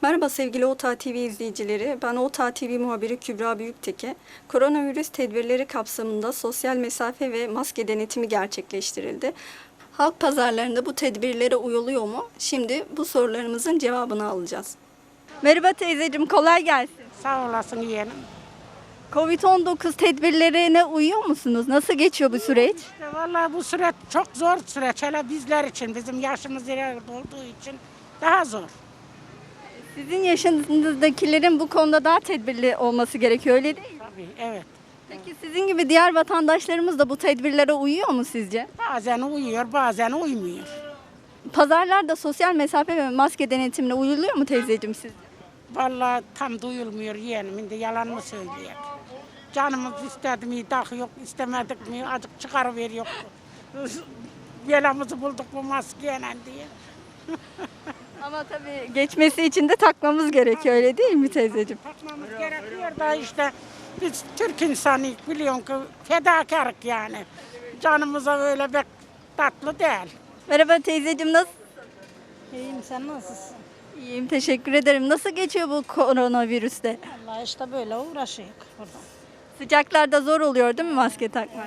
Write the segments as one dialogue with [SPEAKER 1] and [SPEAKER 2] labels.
[SPEAKER 1] Merhaba sevgili OTA TV izleyicileri. Ben OTA TV muhabiri Kübra Büyükteke. Koronavirüs tedbirleri kapsamında sosyal mesafe ve maske denetimi gerçekleştirildi. Halk pazarlarında bu tedbirlere uyuluyor mu? Şimdi bu sorularımızın cevabını alacağız. Merhaba teyzeciğim, kolay gelsin.
[SPEAKER 2] Sağ olasın yeğenim.
[SPEAKER 1] Covid-19 tedbirlerine uyuyor musunuz? Nasıl geçiyor bu süreç?
[SPEAKER 2] İşte vallahi bu süreç çok zor süreç. Hele bizler için, bizim yaşımız ileride olduğu için daha zor.
[SPEAKER 1] Sizin yaşınızdakilerin bu konuda daha tedbirli olması gerekiyor, öyle değil mi?
[SPEAKER 2] Tabii, evet.
[SPEAKER 1] Peki sizin gibi diğer vatandaşlarımız da bu tedbirlere uyuyor mu sizce?
[SPEAKER 2] Bazen uyuyor, bazen uymuyor.
[SPEAKER 1] Pazarlarda sosyal mesafe ve maske denetimine uyuluyor mu teyzeciğim sizce?
[SPEAKER 2] Vallahi tam duyulmuyor yeğenim. Şimdi yalan mı söyleyeyim? Canımız istedi mi, tak yok, istemedik mi, azıcık çıkarıveriyor. Belamızı bulduk bu maskeyle diye.
[SPEAKER 1] Ama tabii geçmesi için de takmamız gerekiyor, öyle değil mi teyzeciğim?
[SPEAKER 2] Takmamız gerekiyor da işte biz Türk insanıyız, biliyorsun ki fedakarlık yani. Canımıza böyle pek tatlı değil.
[SPEAKER 1] Merhaba teyzeciğim, nasıl?
[SPEAKER 3] İyiyim, sen nasılsın?
[SPEAKER 1] İyiyim, teşekkür ederim. Nasıl geçiyor bu koronavirüste?
[SPEAKER 3] Allah işte böyle uğraşıyoruz burada.
[SPEAKER 1] Sıcaklarda zor oluyor değil mi maske takmak?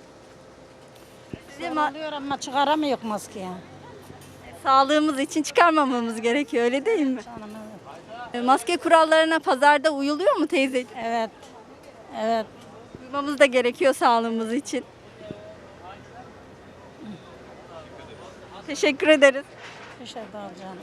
[SPEAKER 1] Size
[SPEAKER 3] Oluyor ama çıkaramıyor maskeyi.
[SPEAKER 1] sağlığımız için çıkarmamamız gerekiyor, öyle değil mi?
[SPEAKER 3] Canım evet.
[SPEAKER 1] Maske kurallarına pazarda uyuluyor mu teyzeciğim?
[SPEAKER 3] Evet. Evet.
[SPEAKER 1] Uymamız da gerekiyor sağlığımız için. Teşekkür ederiz.
[SPEAKER 3] Bir şey daha canım.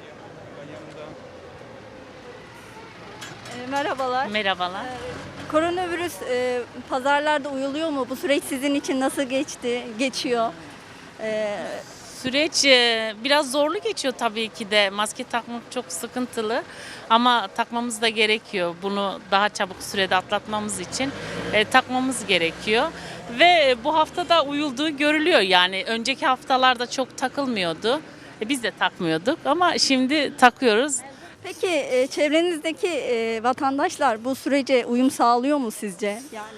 [SPEAKER 1] Merhabalar.
[SPEAKER 4] Merhabalar.
[SPEAKER 1] Koronavirüs pazarlarda uyuluyor mu? Bu süreç sizin için nasıl geçti, geçiyor?
[SPEAKER 4] Süreç biraz zorlu geçiyor tabii ki de. Maske takmak çok sıkıntılı ama takmamız da gerekiyor. Bunu daha çabuk sürede atlatmamız için takmamız gerekiyor. Ve bu hafta da uyulduğu görülüyor. Yani önceki haftalarda çok takılmıyordu. Biz de takmıyorduk ama şimdi takıyoruz.
[SPEAKER 1] Peki çevrenizdeki vatandaşlar bu sürece uyum sağlıyor mu sizce?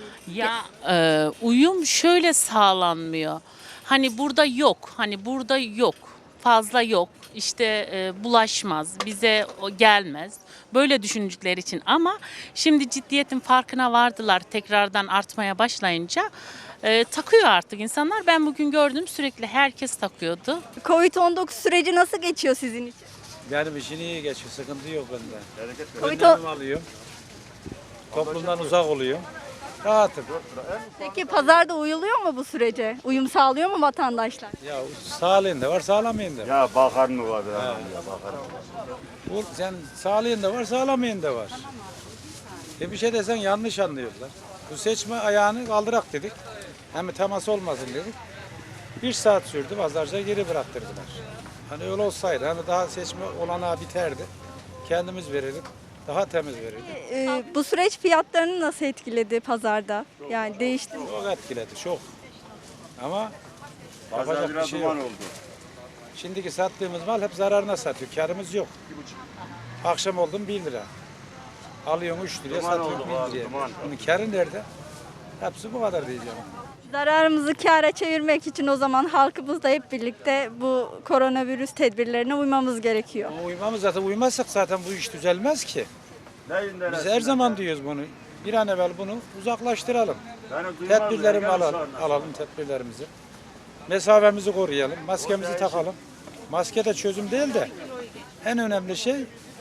[SPEAKER 4] Uyum şöyle sağlanmıyor. Hani burada yok, hani burada yok, fazla yok, işte bulaşmaz, bize o gelmez. Böyle düşündükleri için ama şimdi ciddiyetin farkına vardılar tekrardan artmaya başlayınca takıyor artık insanlar. Ben bugün gördüm sürekli herkes takıyordu.
[SPEAKER 1] Covid-19 süreci nasıl geçiyor sizin için?
[SPEAKER 5] Benim işin iyi geçiyor, sıkıntı yok bende.
[SPEAKER 1] Covid
[SPEAKER 5] Önlemimi alıyorum. Toplumdan uzak oluyorum. Rahatım.
[SPEAKER 1] Peki pazarda uyuluyor mu bu sürece? Uyum sağlıyor mu vatandaşlar?
[SPEAKER 5] Ya sağlığın da var, sağlamayın da var.
[SPEAKER 6] Ya bakar mı var ya? Bakar mı?
[SPEAKER 5] Bu, sen sağlığın da var, sağlamayın da var. Bir şey desen yanlış anlıyorlar. Bu seçme ayağını kaldırak dedik. Hem temas olmasın dedik. 1 saat sürdü, pazarca geri bıraktırdılar. Hani öyle olsaydı, hani daha seçme olanağı biterdi. Kendimiz verirdik, daha temiz verirdik.
[SPEAKER 1] Bu süreç fiyatlarını nasıl etkiledi pazarda? Yani değişti mi?
[SPEAKER 5] Çok etkiledi, çok. Ama
[SPEAKER 6] Pazar
[SPEAKER 5] yapacak bir
[SPEAKER 6] biraz
[SPEAKER 5] şey
[SPEAKER 6] duman
[SPEAKER 5] yok.
[SPEAKER 6] oldu.
[SPEAKER 5] Şimdiki sattığımız mal hep zararına satıyor. Karımız yok. Akşam oldum 1 lira. Alıyorsun 3 liraya,
[SPEAKER 6] Duman
[SPEAKER 5] satıyorsun
[SPEAKER 6] oldu
[SPEAKER 5] 1
[SPEAKER 6] abi,
[SPEAKER 5] liraya.
[SPEAKER 6] duman.
[SPEAKER 5] Bunun karı nerede? Hepsi bu kadar diyeceğim.
[SPEAKER 1] Zararımızı kâra çevirmek için o zaman halkımızla hep birlikte bu koronavirüs tedbirlerine uymamız gerekiyor.
[SPEAKER 5] Ama uymamız zaten uymazsak zaten bu iş düzelmez ki.
[SPEAKER 6] Neyinden
[SPEAKER 5] Biz her zaman diyoruz bunu. Bir an evvel bunu uzaklaştıralım. Tedbirlerimizi alalım tedbirlerimizi. Mesafemizi koruyalım, maskemizi takalım. Maske de çözüm değil de en önemli şey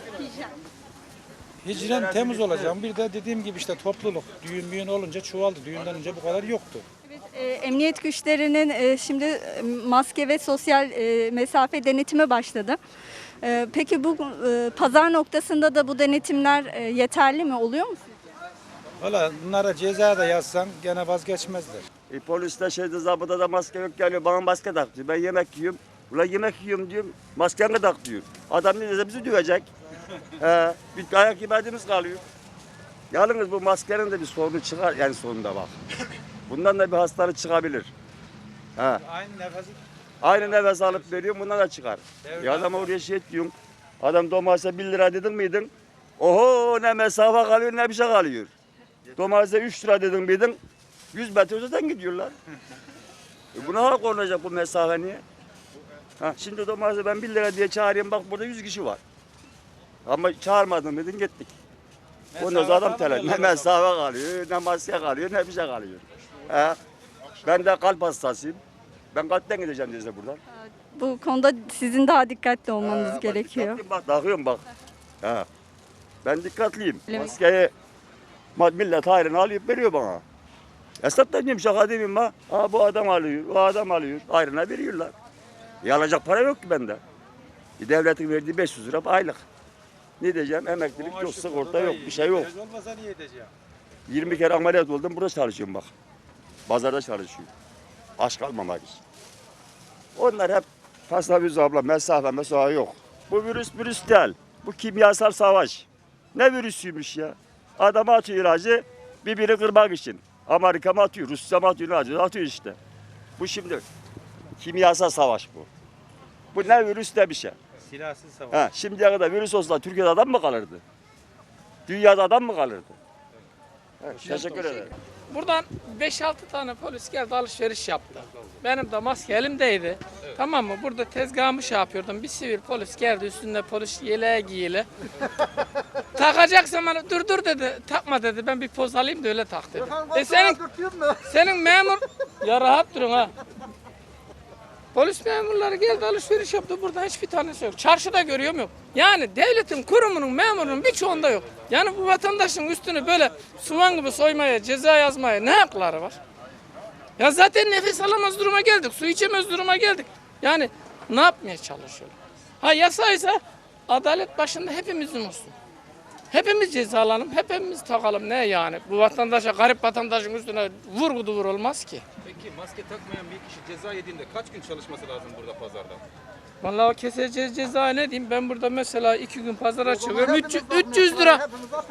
[SPEAKER 5] hijyen temiz olacak. Bir de dediğim gibi işte topluluk. Düğün olunca çoğaldı. Düğünden önce bu kadar yoktu.
[SPEAKER 1] Emniyet güçlerinin şimdi maske ve sosyal mesafe denetime başladı. Peki bu pazar noktasında da bu denetimler yeterli mi? Oluyor mu?
[SPEAKER 5] Valla bunlara ceza da yazsan gene vazgeçmezler.
[SPEAKER 6] Poliste şeyde zabıda da maske yok geliyor bana maske tak diyor. Ben yemek yiyorum. Ulan yemek yiyorum diyorum. Maskeni tak diyor. Adam ne dese bizi dövecek. Bir ayak yemediğimiz kalıyor. Yalnız bu maskenin de bir sorunu çıkar. Yani sonunda bak. Bundan da bir hastalık çıkabilir. Ha.
[SPEAKER 5] Aynı nefesi
[SPEAKER 6] Aynı nefes alıp veriyorum bundan da çıkar. Ya adama oraya şey diyorsun. Adam domatese 1 lira dedin miydin? Oho ne mesafe kalıyor ne bir şey kalıyor. Domatese 3 lira dedin miydin? 100 metre öteden gidiyorlar. Buna hak olacak bu mesafe niye? Ha, şimdi domatese ben 1 lira diye çağırayım bak burada 100 kişi var. Ama çağırmadın dedin gittik. Ondan sonra adam telaş. Ne mesafe kalıyor, ne maske kalıyor, ne bir şey kalıyor. Ben de kalp hastasıyım. Ben kalpten gideceğim size buradan.
[SPEAKER 1] Bu konuda sizin daha dikkatli olmanız
[SPEAKER 6] Bak,
[SPEAKER 1] gerekiyor.
[SPEAKER 6] dikkatliyim, bak takıyorum bak. Ha. Ben dikkatliyim.
[SPEAKER 1] Öyle mi?
[SPEAKER 6] Maskeyi millet hayrını alıp veriyor bana. Hesaptan diyeyim şaka demeyeyim ha. Ha bu adam alıyor, o adam alıyor. Hayrına veriyorlar. Alacak para yok ki bende. Devletin verdiği 500 lira aylık. Ne diyeceğim? Emeklilik yok, sigorta yok, bir şey yok.
[SPEAKER 5] Olmasa niye edeceğim?
[SPEAKER 6] 20 kere ameliyat oldum, burada çalışıyorum bak. Pazarda çalışıyorum. Aç kalmamak için. Onlar hep Fasla abla mesafe yok. Bu virüs değil. Bu kimyasal savaş. Ne virüsüymüş ya? Adama atıyor ilacı birbirini kırmak için. Amerika mı atıyor, Rusya mı atıyor, ilacı atıyor işte. Bu şimdi kimyasal savaş bu. Bu ne virüs ne bir şey.
[SPEAKER 5] Silahsız savaş.
[SPEAKER 6] Ha, şimdiye kadar virüs olsa Türkiye'de adam mı kalırdı? Dünyada adam mı kalırdı? Evet, teşekkür ederim.
[SPEAKER 7] Buradan 5-6 tane polis geldi alışveriş yaptı. Benim de maske elimdeydi. Tamam mı? Burada tezgahımı şey yapıyordum. Bir sivil polis geldi üstünde polis yeleği giyili. Takacak zaman dur dedi. Takma dedi. Ben bir poz alayım da öyle tak dedi. Senin memur... Ya rahat durun ha. Polis memurları geldi alışveriş yaptı. Burada hiçbir tanesi yok. Çarşıda görüyorum yok. Yani devletin kurumunun memurunun birçoğunda yok. Yani bu vatandaşın üstünü böyle soğan gibi soymaya, ceza yazmaya ne hakları var? Ya zaten nefes alamaz duruma geldik. Su içemez duruma geldik. Yani ne yapmaya çalışıyorlar? Ha yasaysa adalet başında hepimizin olsun. Hepimiz cezalanalım, hepimiz takalım. Ne yani? Bu vatandaşa, garip vatandaşın üstüne vur olmaz ki.
[SPEAKER 8] Peki maske takmayan bir kişi ceza yediğinde kaç gün çalışması lazım burada pazarda?
[SPEAKER 7] Vallahi o keseceğiz ceza ne diyeyim? Ben burada mesela 2 gün pazara çıkıyorum. 300 lira.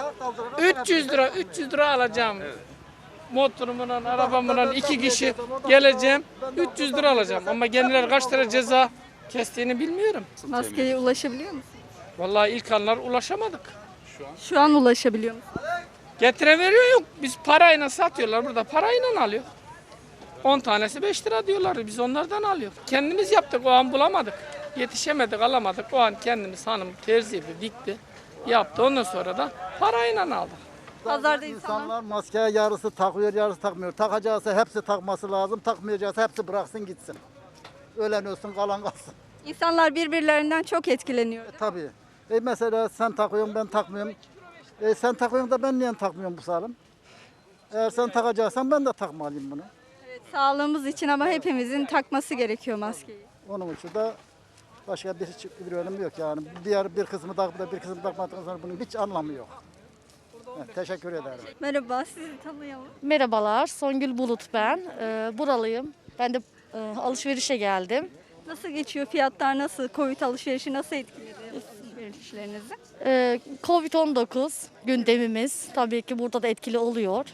[SPEAKER 7] 300 lira alacağım. Motorumla, arabamla 2 kişi geleceğim. 300 lira alacağım. Ama kendileri kaç lira ceza kestiğini bilmiyorum.
[SPEAKER 1] Maskeye ulaşabiliyor musunuz?
[SPEAKER 7] Vallahi ilk anlar ulaşamadık.
[SPEAKER 1] Şu an ulaşabiliyor musunuz?
[SPEAKER 7] Getire veriyor yok. Biz parayla satıyorlar burada. Parayla alıyor. 10 tanesi 5 lira diyorlar. Biz onlardan alıyoruz. Kendimiz yaptık. O an bulamadık. Yetişemedik, alamadık. O an kendimiz hanım terziydi, dikti. Yaptı. Ondan sonra da parayla aldık.
[SPEAKER 1] Pazarda
[SPEAKER 9] İnsanlar maskeye yarısı takıyor, yarısı takmıyor. Takacaksa hepsi takması lazım, takmayacaksa hepsi bıraksın gitsin. Ölen ölsün, kalan kalsın.
[SPEAKER 1] İnsanlar birbirlerinden çok etkileniyor.
[SPEAKER 9] Tabii. Mesela sen takıyorsun, ben takmıyorum. Sen takıyorsun da ben niye takmıyorum bu salim? Eğer sen takacaksan ben de takmalıyım bunu.
[SPEAKER 1] Evet, sağlığımız için ama hepimizin takması gerekiyor maskeyi.
[SPEAKER 9] Onun için de başka bir önemi yok yani. Bir kısmı takıp da bir kısmı takmadıktan sonra bunun hiç anlamı yok. Evet, teşekkür ederim.
[SPEAKER 1] Merhaba, sizi tanıyalım.
[SPEAKER 10] Merhabalar, Songül Bulut ben. Buralıyım. Ben de alışverişe geldim.
[SPEAKER 1] Nasıl geçiyor? Fiyatlar nasıl? Covid alışverişi nasıl etkiledi alışverişlerinizi?
[SPEAKER 10] Covid-19 gündemimiz tabii ki burada da etkili oluyor.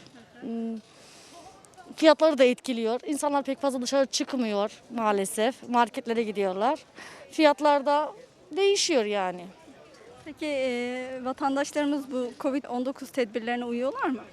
[SPEAKER 10] Fiyatları da etkiliyor. İnsanlar pek fazla dışarı çıkmıyor maalesef. Marketlere gidiyorlar. Fiyatlar da değişiyor yani.
[SPEAKER 1] Peki vatandaşlarımız bu Covid-19 tedbirlerine uyuyorlar mı?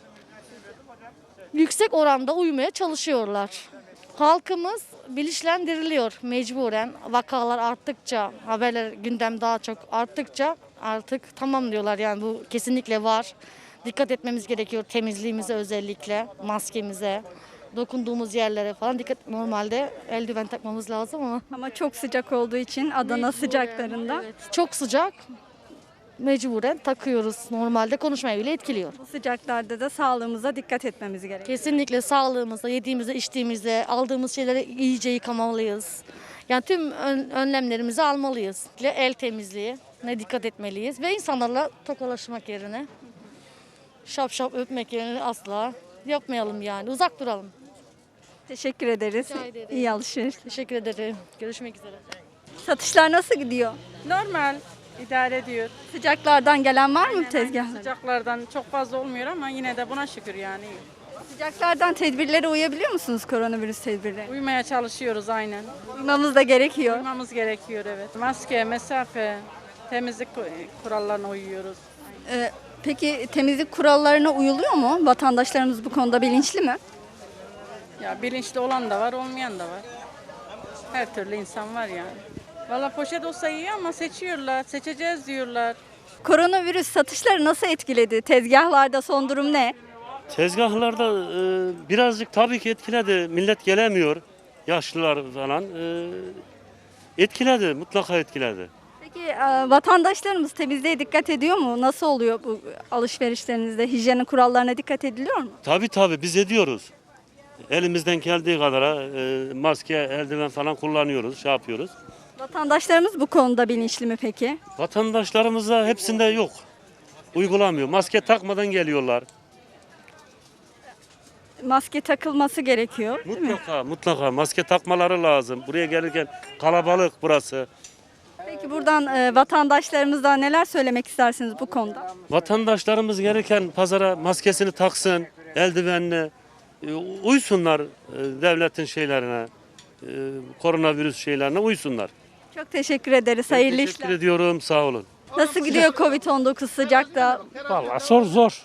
[SPEAKER 10] Yüksek oranda uymaya çalışıyorlar. Halkımız bilinçlendiriliyor mecburen. Vakalar arttıkça, haberler gündem daha çok arttıkça artık tamam diyorlar yani bu kesinlikle var. Dikkat etmemiz gerekiyor temizliğimize özellikle, maskemize, dokunduğumuz yerlere falan dikkat. Normalde eldiven takmamız lazım ama
[SPEAKER 1] Ama çok sıcak olduğu için Adana sıcaklarında
[SPEAKER 10] evet, çok sıcak. Mecburen takıyoruz. Normalde konuşmayı bile etkiliyor.
[SPEAKER 1] bu sıcaklarda da sağlığımıza dikkat etmemiz gerekiyor.
[SPEAKER 10] Kesinlikle sağlığımıza, yediğimizde, içtiğimizde, aldığımız şeyleri iyice yıkamalıyız. Yani tüm önlemlerimizi almalıyız. El temizliği ne dikkat etmeliyiz ve insanlarla tokalaşmak yerine, şap öpmek yerine asla yapmayalım yani. Uzak duralım.
[SPEAKER 1] Teşekkür ederiz.
[SPEAKER 10] Rica ederim.
[SPEAKER 1] İyi alışveriş.
[SPEAKER 10] Teşekkür ederim. Görüşmek üzere.
[SPEAKER 1] Satışlar nasıl gidiyor?
[SPEAKER 3] Normal idare ediyor.
[SPEAKER 1] Sıcaklardan gelen var mı tezgahlara?
[SPEAKER 3] Sıcaklardan çok fazla olmuyor ama yine de buna şükür yani.
[SPEAKER 1] Sıcaklardan tedbirlere uyabiliyor musunuz koronavirüs tedbirlerine?
[SPEAKER 3] Uymaya çalışıyoruz aynen.
[SPEAKER 1] Uymamız da gerekiyor.
[SPEAKER 3] Uymamız gerekiyor evet. Maske, mesafe, temizlik kurallarına uyuyoruz.
[SPEAKER 1] Peki temizlik kurallarına uyuluyor mu? Vatandaşlarımız bu konuda bilinçli mi?
[SPEAKER 3] Ya bilinçli olan da var, olmayan da var. Her türlü insan var yani. Valla poşet olsa iyi ama seçiyorlar, seçeceğiz diyorlar.
[SPEAKER 1] Koronavirüs satışları nasıl etkiledi? Tezgahlarda son durum ne?
[SPEAKER 11] Tezgahlarda birazcık tabii ki etkiledi. Millet gelemiyor. Yaşlılar falan. Etkiledi, mutlaka etkiledi.
[SPEAKER 1] Peki vatandaşlarımız temizliğe dikkat ediyor mu? Nasıl oluyor bu alışverişlerinizde? Hijyen kurallarına dikkat ediliyor mu?
[SPEAKER 11] Tabii biz ediyoruz. Elimizden geldiği kadar maske, eldiven falan kullanıyoruz, şey yapıyoruz.
[SPEAKER 1] Vatandaşlarımız bu konuda bilinçli mi peki?
[SPEAKER 11] Vatandaşlarımızda hepsinde yok. Uygulamıyor. Maske takmadan geliyorlar.
[SPEAKER 1] Maske takılması gerekiyor, değil mi?
[SPEAKER 11] Mutlaka maske takmaları lazım. Buraya gelirken kalabalık burası.
[SPEAKER 1] Peki buradan vatandaşlarımızdan neler söylemek istersiniz bu konuda?
[SPEAKER 11] Vatandaşlarımız gelirken pazara maskesini taksın, eldivenini, uysunlar devletin şeylerine, koronavirüs şeylerine uysunlar.
[SPEAKER 1] Çok teşekkür ederiz. Hayırlı
[SPEAKER 11] Teşekkür
[SPEAKER 1] işler.
[SPEAKER 11] ediyorum, sağ olun.
[SPEAKER 1] Nasıl gidiyor Covid-19 sıcakta?
[SPEAKER 12] Vallahi zor.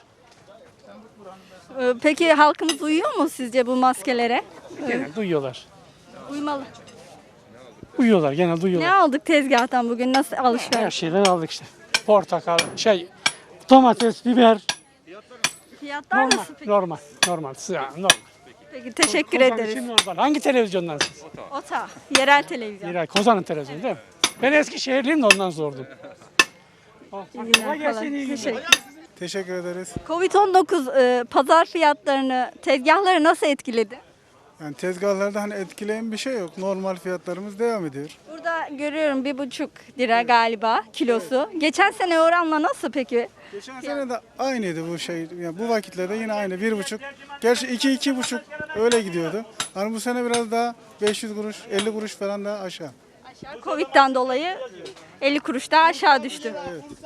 [SPEAKER 1] Peki halkımız uyuyor mu sizce bu maskelere?
[SPEAKER 12] Genelde uyuyorlar.
[SPEAKER 1] Uymalı.
[SPEAKER 12] Uyuyorlar, genelde
[SPEAKER 1] Ne
[SPEAKER 12] uyuyorlar.
[SPEAKER 1] aldık tezgahtan bugün? Nasıl
[SPEAKER 12] Her
[SPEAKER 1] alışveriş?
[SPEAKER 12] şeyden aldık işte. Portakal, domates, biber.
[SPEAKER 1] Fiyatlar
[SPEAKER 12] Normal,
[SPEAKER 1] nasıl peki?
[SPEAKER 12] normal. Yani normal.
[SPEAKER 1] Peki teşekkür
[SPEAKER 12] Kozan
[SPEAKER 1] ederiz.
[SPEAKER 12] için normal. Hangi televizyondan siz?
[SPEAKER 1] OTA, yerel televizyon.
[SPEAKER 12] Kozan'ın televizyonu değil mi? Ben Eskişehirliyim de ondan sordum.
[SPEAKER 1] İyi günler falan. Teşekkür.
[SPEAKER 5] Teşekkür ederiz.
[SPEAKER 1] Covid-19 pazar fiyatlarını, tezgahları nasıl etkiledi?
[SPEAKER 5] Yani tezgahlarda hani etkileyen bir şey yok. Normal fiyatlarımız devam ediyor.
[SPEAKER 1] Burada görüyorum 1,5 lira galiba kilosu. Geçen sene oranla nasıl peki?
[SPEAKER 5] Geçen sene de aynıydı bu şey. Yani bu vakitlerde yine aynı 1,5. Gerçi 2-2,5 öyle gidiyordu. Hani bu sene biraz daha 500 kuruş, 50 kuruş falan daha aşağı.
[SPEAKER 1] Aşağı Covid'den dolayı 50 kuruş daha aşağı düştü.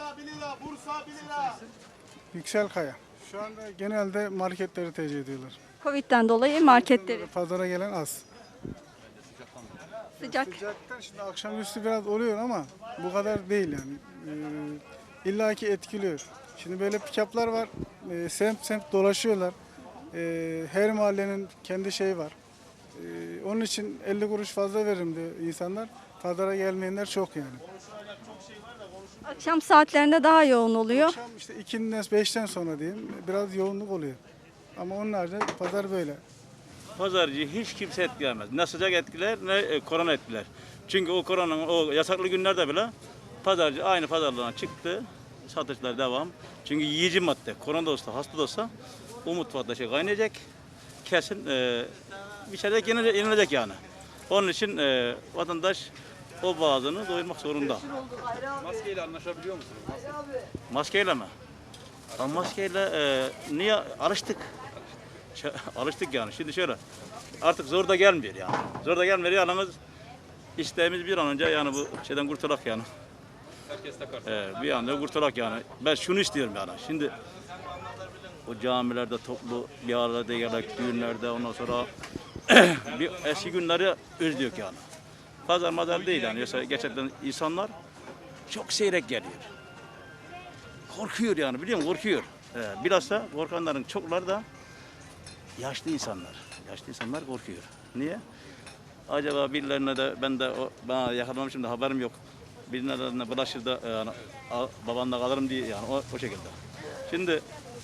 [SPEAKER 5] Yüksel Kaya. Şu anda genelde marketleri tercih ediyorlar.
[SPEAKER 1] Covid'den dolayı marketleri
[SPEAKER 5] Pazara gelen az.
[SPEAKER 1] sıcak.
[SPEAKER 5] Sıcaktan şimdi akşamüstü biraz oluyor ama bu kadar değil yani. İlla ki etkiliyor. Şimdi böyle pikaplar var. Semt dolaşıyorlar. Her mahallenin kendi şeyi var. Onun için 50 kuruş fazla veririm diyor insanlar. Pazara gelmeyenler çok yani.
[SPEAKER 1] Akşam saatlerinde daha yoğun oluyor.
[SPEAKER 5] Akşam işte 2'den 5'ten sonra diyeyim biraz yoğunluk oluyor. Ama onun haricinde pazar böyle.
[SPEAKER 13] Pazarcı hiç kimse etkilemez. Ne sıcak etkiler ne korona etkiler. Çünkü o koronanın o yasaklı günlerde bile pazarcı aynı pazarlarına çıktı. Satışlar devam. Çünkü yiyici madde. Korona da olsa hasta da olsa o mutfakta şey kaynayacak. Kesin bir şeyler yenilecek yani. Onun için vatandaş o boğazını doyurmak zorunda.
[SPEAKER 8] Maskeyle anlaşabiliyor musunuz?
[SPEAKER 13] Maskeyle mi? Ben maskeyle niye alıştık? Alıştık yani. Şimdi şöyle artık zor da gelmiyor yani. Zor da gelmiyor yalnız isteğimiz bir an önce yani bu şeyden kurtulak yani.
[SPEAKER 8] Herkes takar.
[SPEAKER 13] Bir anda kurtulak yani. Ben şunu istiyorum yani. Şimdi o camilerde toplu bir arada gelmek, düğünlerde ondan sonra bir eski günleri özlüyoruz yani. Pazar madar değil yani. Yoksa gerçekten insanlar çok seyrek geliyor. Korkuyor yani biliyor musun? Korkuyor. Bilhassa korkanların çokları da yaşlı insanlar. Yaşlı insanlar korkuyor. Niye? Acaba birilerine de bana yakalanmışım da haberim yok. Birilerine bulaşır da yani, babamla kalırım diye yani o şekilde. Şimdi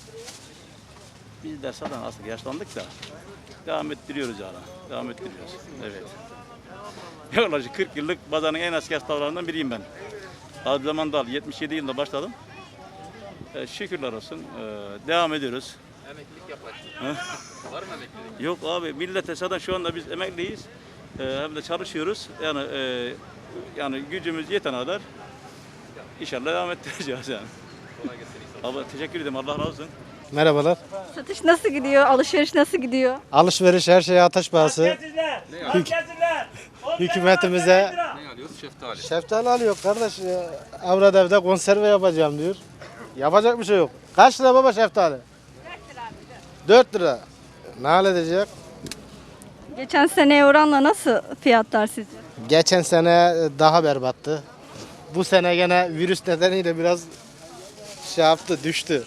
[SPEAKER 13] biz de zaten aslında yaşlandık da devam ettiriyoruz yani. Devam ettiriyoruz. Evet. Yaklaşık 40 yıllık pazarın en eski esnaflarından biriyim ben. Az zamanda 77 yılında başladım. Şükürler olsun. Devam ediyoruz.
[SPEAKER 8] Emeklilik yapacaksın. Var mı emeklilik?
[SPEAKER 13] Yok abi millete zaten şu anda biz emekliyiz. Hem de çalışıyoruz. Yani gücümüz yeten kadar inşallah devam ettireceğiz yani.
[SPEAKER 8] Kolay gelsin inşallah.
[SPEAKER 13] Abi teşekkür ederim. Allah razı olsun.
[SPEAKER 14] Merhabalar.
[SPEAKER 1] Satış nasıl gidiyor? Alışveriş nasıl gidiyor?
[SPEAKER 14] Alışveriş her şeye ateş pahası.
[SPEAKER 8] Ne alıyorsun?
[SPEAKER 14] Hükümetimize
[SPEAKER 8] Ne alıyorsun? Şeftali.
[SPEAKER 14] şeftali alıyor kardeş. Avrat evde konserve yapacağım diyor. Yapacak bir şey yok. Kaç lira baba şeftali? 4 lira. Ne halledecek?
[SPEAKER 1] Geçen seneye oranla nasıl fiyatlar sizce?
[SPEAKER 14] Geçen sene daha berbattı. Bu sene gene virüs nedeniyle biraz şey yaptı, düştü.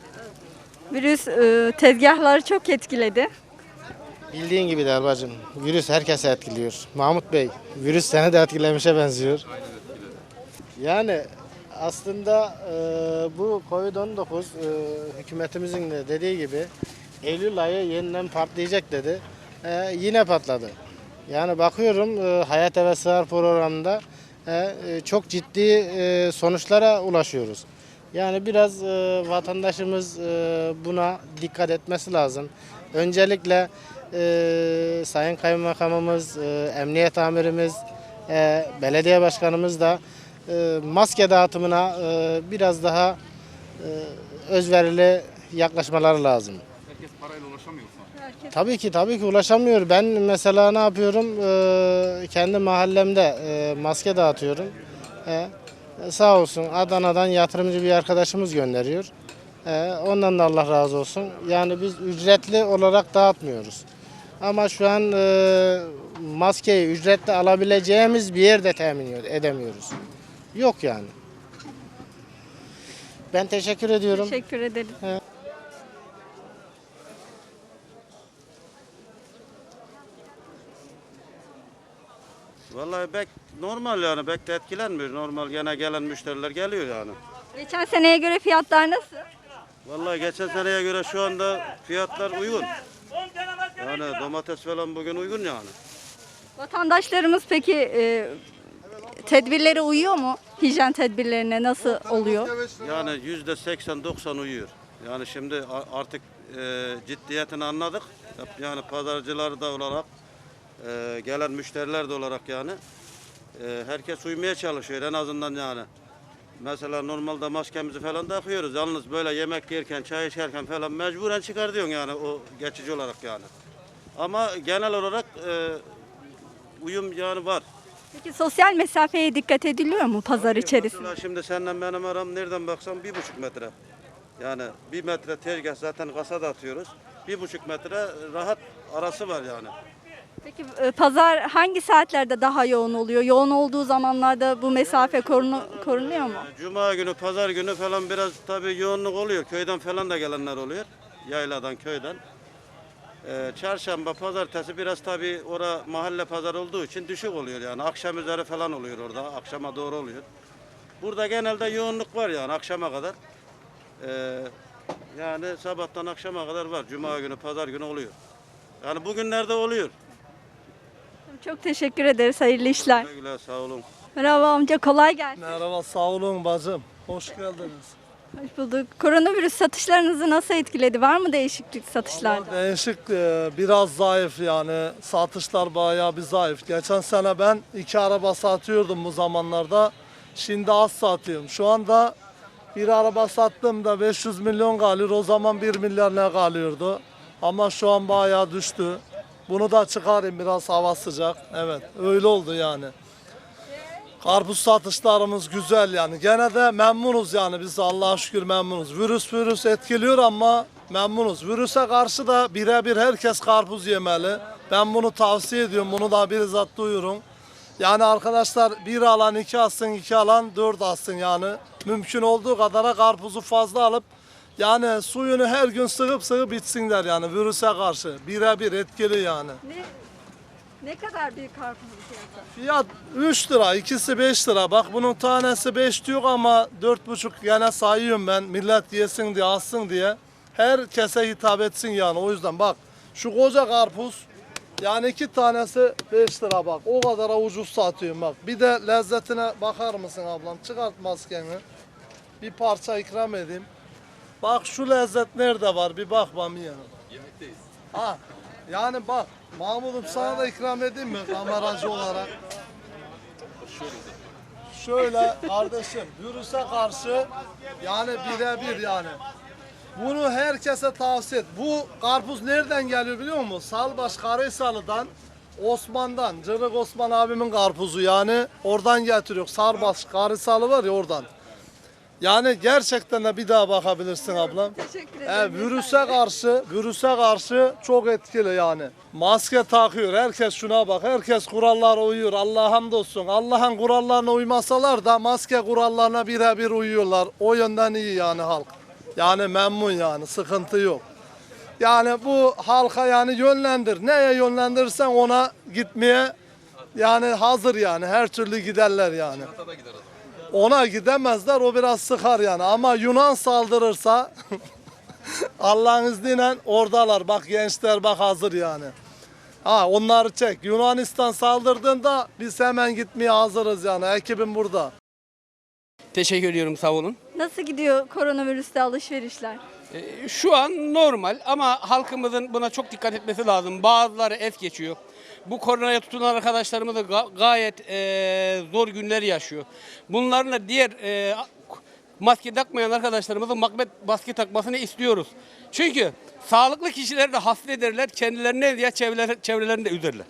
[SPEAKER 1] Virüs tezgahları çok etkiledi.
[SPEAKER 14] Bildiğin gibi der bacım. Virüs herkese etkiliyor. Mahmut Bey, virüs seni de etkilemişe benziyor. Yani Aslında bu Covid-19 hükümetimizin de dediği gibi Eylül ayı yeniden patlayacak dedi. Yine patladı. Yani bakıyorum Hayat ve Sığar programında çok ciddi sonuçlara ulaşıyoruz. Yani biraz vatandaşımız buna dikkat etmesi lazım. Öncelikle Sayın Kaymakamımız, Emniyet Amirimiz, belediye başkanımız da maske dağıtımına biraz daha özverili yaklaşmaları lazım.
[SPEAKER 8] Herkes parayla ulaşamıyor mu?
[SPEAKER 14] Tabii ki ulaşamıyor. Ben mesela ne yapıyorum? Kendi mahallemde maske dağıtıyorum. Sağ olsun Adana'dan yatırımcı bir arkadaşımız gönderiyor. Ondan da Allah razı olsun. Yani biz ücretli olarak dağıtmıyoruz. Ama şu an maskeyi ücretli alabileceğimiz bir yerde temin edemiyoruz. Yok yani. Ben teşekkür ediyorum.
[SPEAKER 1] Teşekkür ederim.
[SPEAKER 6] Vallahi normal yani pek de etkilenmiyor. Normal gene gelen müşteriler geliyor yani.
[SPEAKER 1] Geçen seneye göre fiyatlar nasıl?
[SPEAKER 6] Vallahi geçen seneye göre şu anda fiyatlar uygun. Yani domates falan bugün uygun yani.
[SPEAKER 1] Vatandaşlarımız peki tedbirlere uyuyor mu? Hijyen tedbirlerine nasıl oluyor?
[SPEAKER 6] Yani %80-90 uyuyor. Yani şimdi artık ciddiyetini anladık. Yani pazarcılar da olarak, gelen müşteriler de olarak yani herkes uymaya çalışıyor en azından yani. Mesela normalde maskemizi falan takıyoruz. Yalnız böyle yemek yerken, çay içerken falan mecburen çıkar diyorsun yani o geçici olarak yani. Ama genel olarak uyum yani var.
[SPEAKER 1] Peki sosyal mesafeye dikkat ediliyor mu pazar içerisinde?
[SPEAKER 6] Mesela şimdi senden benim aram nereden baksan 1,5 metre. Yani 1 metre tezgah zaten kasada atıyoruz. 1,5 metre rahat arası var yani.
[SPEAKER 1] Peki pazar hangi saatlerde daha yoğun oluyor? Yoğun olduğu zamanlarda bu mesafe korunuyor mu?
[SPEAKER 6] Cuma günü, pazar günü falan biraz tabii yoğunluk oluyor. Köyden falan da gelenler oluyor. Yayladan, köyden. Çarşamba, pazartesi biraz tabii mahalle pazar olduğu için düşük oluyor yani. Akşam üzeri falan oluyor orada. Akşama doğru oluyor. Burada genelde yoğunluk var yani akşama kadar. Yani sabahtan akşama kadar var. Cuma günü, pazar günü oluyor. Yani bugünlerde oluyor.
[SPEAKER 1] Çok teşekkür ederiz. Hayırlı işler.
[SPEAKER 6] Güle güle, sağ olun.
[SPEAKER 1] Merhaba amca, kolay gelsin.
[SPEAKER 12] Merhaba, sağ olun bacım. Hoş geldiniz.
[SPEAKER 1] Hoş bulduk. Koronavirüs satışlarınızı nasıl etkiledi? Var mı değişiklik satışlarda?
[SPEAKER 12] Değişik, biraz zayıf yani. Satışlar bayağı bir zayıf. Geçen sene ben 2 araba satıyordum bu zamanlarda. Şimdi az satıyorum. Şu anda bir araba sattığımda 500 milyon kalıyor. O zaman 1 milyar ne kalıyordu? Ama şu an bayağı düştü. Bunu da çıkarayım, biraz hava sıcak. Evet, öyle oldu yani. Karpuz satışlarımız güzel yani. Gene de memnunuz yani, biz Allah'a şükür memnunuz. Virüs etkiliyor ama memnunuz. Virüse karşı da birebir herkes karpuz yemeli. Ben bunu tavsiye ediyorum, bunu da bizzat duyuyorum. Yani arkadaşlar, 1 alan 2 alsın, 2 alan 4 alsın yani. Mümkün olduğu kadara karpuzu fazla alıp yani suyunu her gün sıkıp içsinler yani virüse karşı. Birebir etkili yani.
[SPEAKER 1] Ne kadar bir karpuzun fiyatı?
[SPEAKER 12] Fiyat 3 lira, ikisi 5 lira. Bak bunun tanesi 5 diyor ama 4,5 gene sayıyorum ben. Millet yesin diye, alsın diye. Herkese hitap etsin yani. O yüzden bak şu koca karpuz yani 2 tanesi 5 lira bak. O kadar ucuz satıyorum bak. Bir de lezzetine bakar mısın ablam? Çıkart maskeni. Bir parça ikram edeyim. Bak şu lezzet nerede var? Bir bak bana yani.
[SPEAKER 8] Yemekteyiz.
[SPEAKER 12] Ha, yani bak Mahmut'um, sana da ikram edeyim mi kameracı olarak? Şöyle kardeşim, virüse karşı yani birebir yani. Bunu herkese tavsiye et. Bu karpuz nereden geliyor biliyor musun? Salbaş Karahisarlı'dan, Osman'dan, Cırık Osman abimin karpuzu yani. Oradan getiriyor. Salbaş Karahisarlı var ya, oradan. Yani gerçekten de bir daha bakabilirsin ablam.
[SPEAKER 1] Teşekkür ederim.
[SPEAKER 12] Virüse karşı çok etkili yani. Maske takıyor. Herkes şuna bak. Herkes kurallara uyuyor. Allah'a hamdolsun. Allah'ın kurallarına uymasalar da maske kurallarına birebir uyuyorlar. O yönden iyi yani halk. Yani memnun yani. Sıkıntı yok. Yani bu halka yani yönlendir. Neye yönlendirirsen ona gitmeye yani hazır yani. Her türlü giderler yani. Ona gidemezler, o biraz sıkar yani. Ama Yunan saldırırsa Allah'ın izniyle oradalar. Bak gençler bak hazır yani. Ha onları çek. Yunanistan saldırdığında biz hemen gitmeye hazırız yani. Ekibim burada.
[SPEAKER 15] Teşekkür ediyorum, sağ olun.
[SPEAKER 1] Nasıl gidiyor koronavirüste alışverişler?
[SPEAKER 15] Şu an normal ama halkımızın buna çok dikkat etmesi lazım. Bazıları es geçiyor. Bu koronaya tutulan arkadaşlarımız da gayet zor günler yaşıyor. Bunlarla diğer maske takmayan arkadaşlarımızın maske takmasını istiyoruz. Çünkü sağlıklı kişileri de hasta ederler, kendilerine ya çevrelerini de üzerler.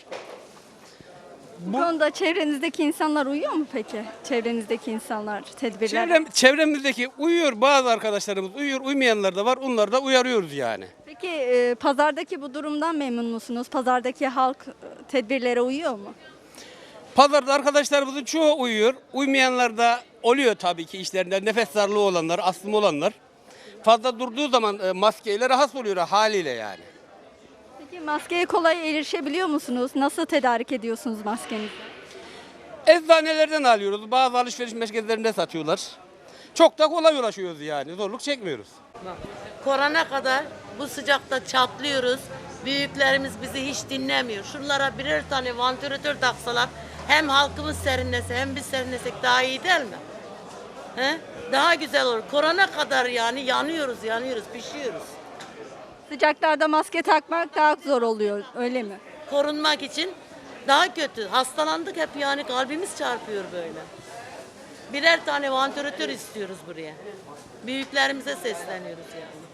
[SPEAKER 1] Bu konuda çevrenizdeki insanlar uyuyor mu peki? Çevrenizdeki insanlar tedbirler.
[SPEAKER 15] Çevremizdeki uyuyor, bazı arkadaşlarımız uyuyor, uymayanlar da var. Onları da uyarıyoruz yani.
[SPEAKER 1] Peki pazardaki bu durumdan memnun musunuz? Pazardaki halk tedbirlere uyuyor mu?
[SPEAKER 15] Pazarda arkadaşlarımızın çoğu uyuyor. Uymayanlar da oluyor tabii ki işlerinde. Nefes darlığı olanlar, astımı olanlar. Fazla durduğu zaman maskeyle rahatsız oluyor haliyle yani.
[SPEAKER 1] Peki maskeye kolay erişebiliyor musunuz? Nasıl tedarik ediyorsunuz maskenizi?
[SPEAKER 15] Eczanelerden alıyoruz. Bazı alışveriş merkezlerinde satıyorlar. Çok da kolay ulaşıyoruz yani. Zorluk çekmiyoruz.
[SPEAKER 16] Korona kadar bu sıcakta çatlıyoruz. Büyüklerimiz bizi hiç dinlemiyor. Şunlara birer tane vantilatör taksalar hem halkımız serinlese hem biz serinlesek daha iyi değil mi? He? Daha güzel olur. Korona kadar yani yanıyoruz, pişiyoruz.
[SPEAKER 1] Sıcaklarda maske takmak daha zor oluyor, öyle mi?
[SPEAKER 16] Korunmak için daha kötü. Hastalandık hep yani kalbimiz çarpıyor böyle. Birer tane vantilatör istiyoruz buraya. Büyüklerimize sesleniyoruz yani.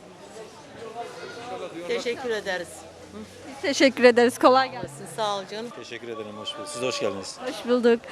[SPEAKER 16] Teşekkür ederiz.
[SPEAKER 1] Biz teşekkür ederiz, kolay gelsin.
[SPEAKER 16] Sağ ol canım.
[SPEAKER 17] Teşekkür ederim, hoş bulduk. Siz de hoş geldiniz.
[SPEAKER 1] Hoş bulduk.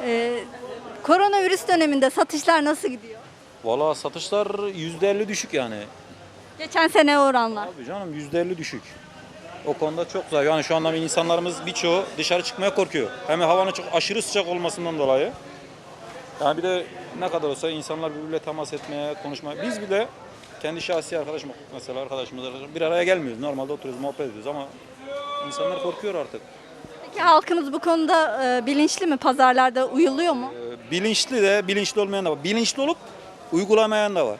[SPEAKER 1] Koronavirüs döneminde satışlar nasıl gidiyor?
[SPEAKER 17] Valla satışlar %50 düşük yani.
[SPEAKER 1] Geçen sene oranla.
[SPEAKER 17] Abi canım %50 düşük. O konuda çok zayıf. Yani şu anda insanlarımız birçoğu dışarı çıkmaya korkuyor. Hem havanın çok aşırı sıcak olmasından dolayı. Yani bir de ne kadar olsa insanlar birbiriyle temas etmeye, konuşmaya. Biz bile kendi şahsi arkadaşım mesela arkadaşımız bir araya gelmiyoruz. Normalde oturuyoruz, muhabbet ediyoruz ama insanlar korkuyor artık.
[SPEAKER 1] Peki halkımız bu konuda bilinçli mi? Pazarlarda uyuluyor mu?
[SPEAKER 17] Bilinçli de, bilinçli olmayan da var. Bilinçli olup uygulamayan da var.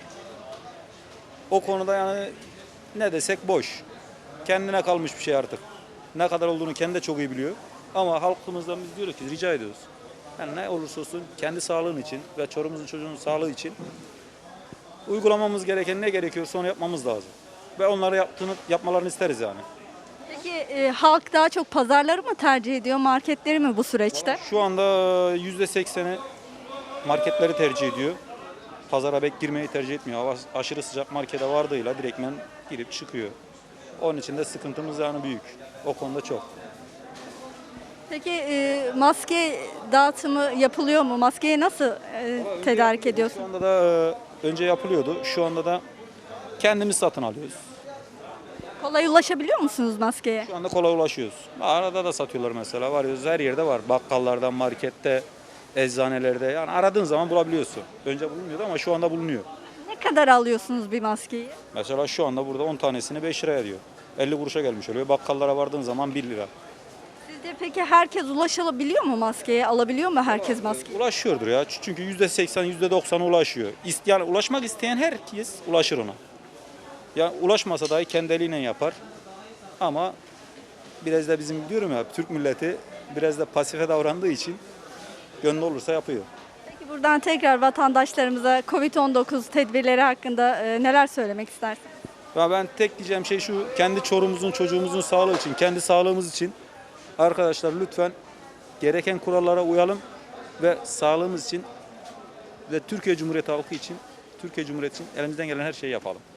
[SPEAKER 17] O konuda yani ne desek boş. Kendine kalmış bir şey artık. Ne kadar olduğunu kendi de çok iyi biliyor. Ama halkımızdan biz diyoruz ki rica ediyoruz. Yani ne olursa olsun kendi sağlığın için ve çorumuzun çocuğunun sağlığı için uygulamamız gereken ne gerekiyorsa onu yapmamız lazım. Ve onları yapmalarını isteriz yani.
[SPEAKER 1] Peki halk daha çok pazarları mı tercih ediyor, marketleri mi bu süreçte?
[SPEAKER 17] Şu anda %80'i marketleri tercih ediyor. Pazara pek girmeyi tercih etmiyor. Hava aşırı sıcak markete vardığıyla direktmen girip çıkıyor. Onun için de sıkıntımız yani büyük. O konuda çok.
[SPEAKER 1] Peki maske dağıtımı yapılıyor mu? Maskeyi nasıl tedarik ediyorsun?
[SPEAKER 17] Şu anda da önce yapılıyordu. Şu anda da kendimiz satın alıyoruz.
[SPEAKER 1] Kolay ulaşabiliyor musunuz maskeye?
[SPEAKER 17] Şu anda kolay ulaşıyoruz. Arada da satıyorlar mesela. Varıyoruz, her yerde var. Bakkallarda, markette, eczanelerde. Yani aradığın zaman bulabiliyorsun. Önce bulunmuyordu ama şu anda bulunuyor.
[SPEAKER 1] Ne kadar alıyorsunuz bir maskeyi?
[SPEAKER 17] Mesela şu anda burada 10 tanesini 5 liraya diyor. 50 kuruşa gelmiş oluyor. Bakkallara vardığın zaman 1 lira.
[SPEAKER 1] Sizce peki herkes ulaşabiliyor mu maskeye? Alabiliyor mu herkes maskeyi?
[SPEAKER 17] Ulaşıyordur ya. Çünkü %80, %90 ulaşıyor. Yani ulaşmak isteyen herkes ulaşır ona. Yani ulaşmasa dahi kendi eliyle yapar. Ama biraz da bizim diyorum ya Türk milleti biraz da pasife davrandığı için gönlü olursa yapıyor.
[SPEAKER 1] Peki buradan tekrar vatandaşlarımıza Covid-19 tedbirleri hakkında neler söylemek istersiniz?
[SPEAKER 17] Ya ben tek diyeceğim şey şu, kendi çorumuzun, çocuğumuzun sağlığı için, kendi sağlığımız için arkadaşlar lütfen gereken kurallara uyalım ve sağlığımız için ve Türkiye Cumhuriyeti halkı için, Türkiye Cumhuriyeti için elimizden gelen her şeyi yapalım.